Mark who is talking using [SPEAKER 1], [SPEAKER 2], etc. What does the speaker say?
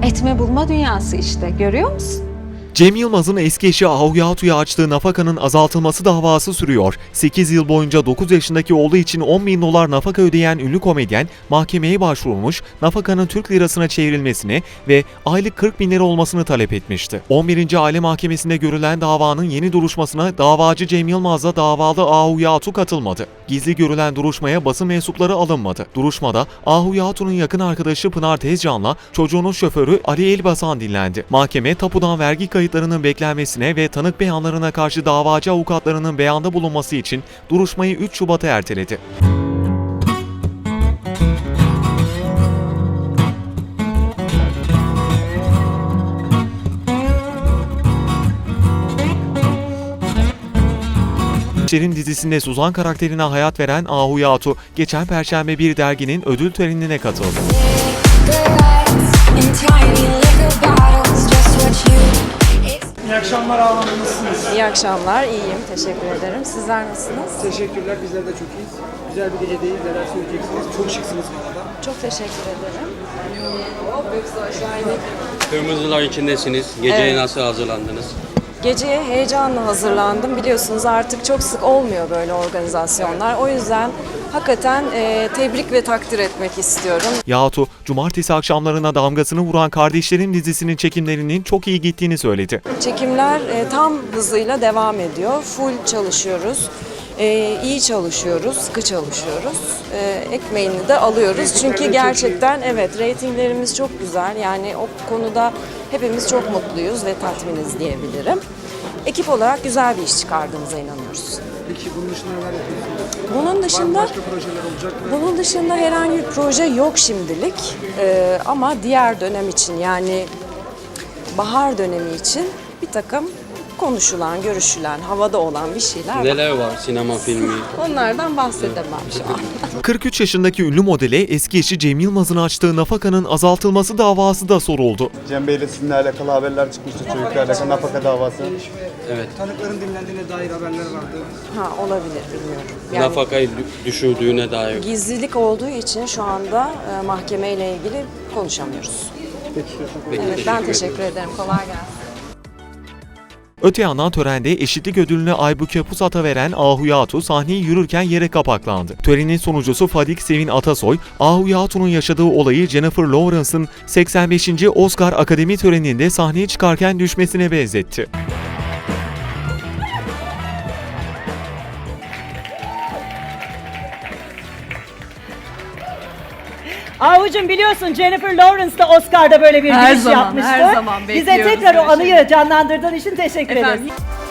[SPEAKER 1] Etme bulma dünyası işte, görüyor musun?
[SPEAKER 2] Cem Yılmaz'ın eski eşi Ahu Yatu'ya açtığı nafakanın azaltılması davası sürüyor. 8 yıl boyunca 9 yaşındaki oğlu için 10 bin dolar nafaka ödeyen ünlü komedyen mahkemeye başvurmuş, nafakanın Türk lirasına çevrilmesini ve aylık 40 bin lira olmasını talep etmişti. 11. Aile Mahkemesi'nde görülen davanın yeni duruşmasına davacı Cem Yılmaz'la davalı Ahu Yatu katılmadı. Gizli görülen duruşmaya basın mensupları alınmadı. Duruşmada Ahu Yatu'nun yakın arkadaşı Pınar Tezcan'la çocuğunun şoförü Ali Elbasan dinlendi. Mahkeme tapudan vergi kayıtlarının beklenmesine ve tanık beyanlarına karşı davacı avukatlarının beyanda bulunması için duruşmayı 3 Şubat'a erteledi. Şerin dizisinde Suzan karakterine hayat veren Ahu Yatu, geçen Perşembe bir derginin ödül törenine katıldı.
[SPEAKER 3] İyi akşamlar Ahu Hanım, nasılsınız?
[SPEAKER 4] İyi akşamlar, iyiyim. Teşekkür ederim. Sizler nasılsınız?
[SPEAKER 3] Teşekkürler, bizler de çok iyiyiz. Güzel bir gece değil, neler söyleyeceksiniz? Çok şıksınız bu arada.
[SPEAKER 4] Çok teşekkür ederim.
[SPEAKER 5] Kırmızılar içindesiniz. Geceye
[SPEAKER 4] Evet.
[SPEAKER 5] nasıl hazırlandınız?
[SPEAKER 4] Geceye heyecanla hazırlandım. Biliyorsunuz artık çok sık olmuyor böyle organizasyonlar. O yüzden hakikaten tebrik ve takdir etmek istiyorum.
[SPEAKER 2] Yatu, cumartesi akşamlarına damgasını vuran Kardeşlerim dizisinin çekimlerinin çok iyi gittiğini söyledi.
[SPEAKER 4] Çekimler tam hızıyla devam ediyor. Full çalışıyoruz. İyi çalışıyoruz, sıkı çalışıyoruz. Ekmeğini de alıyoruz. Çünkü gerçekten evet reytinglerimiz çok güzel. Yani o konuda hepimiz çok mutluyuz ve tatminiz diyebilirim. Ekip olarak güzel bir iş çıkardığımıza inanıyoruz.
[SPEAKER 3] Peki bunun dışında neler yapıyorsunuz?
[SPEAKER 4] Bunun
[SPEAKER 3] Var mı
[SPEAKER 4] dışında
[SPEAKER 3] başka projeler olacak mı?
[SPEAKER 4] bunun dışında herhangi bir proje yok şimdilik. Ama diğer dönem için yani bahar dönemi için bir takım konuşulan, görüşülen, havada olan bir şeyler var.
[SPEAKER 5] Neler var sinema filmi?
[SPEAKER 4] Onlardan bahsedemem şu an.
[SPEAKER 2] 43 yaşındaki ünlü modele eski eşi Cem Yılmaz'ın açtığı nafakanın azaltılması davası da soruldu.
[SPEAKER 6] Cem Bey'le sizinle alakalı haberler çıkmıştı, çocuklarla alakalı nafaka davası.
[SPEAKER 5] Evet.
[SPEAKER 3] Tanıkların dinlendiğine dair haberler vardı.
[SPEAKER 4] Ha olabilir bilmiyorum. Yani
[SPEAKER 5] Nafakayı düşürdüğüne dair.
[SPEAKER 4] gizlilik olduğu için şu anda mahkemeyle ilgili konuşamıyoruz.
[SPEAKER 5] Peki,
[SPEAKER 4] Evet ben teşekkür ederim. Kolay gelsin.
[SPEAKER 2] Öte yandan törende eşitlik ödülünü Aybüke Pusat'a veren Ahu Yatu sahneyi yürürken yere kapaklandı. Törenin sunucusu Fadik Sevin Atasoy, Ahu Yatu'nun yaşadığı olayı Jennifer Lawrence'ın 85. Oscar Akademi töreninde sahneye çıkarken düşmesine benzetti.
[SPEAKER 7] Ahucuğum biliyorsun Jennifer Lawrence da Oscar'da böyle bir
[SPEAKER 8] Her
[SPEAKER 7] giriş
[SPEAKER 8] zaman,
[SPEAKER 7] yapmıştı.
[SPEAKER 8] her zaman
[SPEAKER 7] Bize
[SPEAKER 8] bekliyoruz
[SPEAKER 7] tekrar o
[SPEAKER 8] böyle
[SPEAKER 7] anıyı canlandırdığın için teşekkür ederiz.
[SPEAKER 8] Efendim,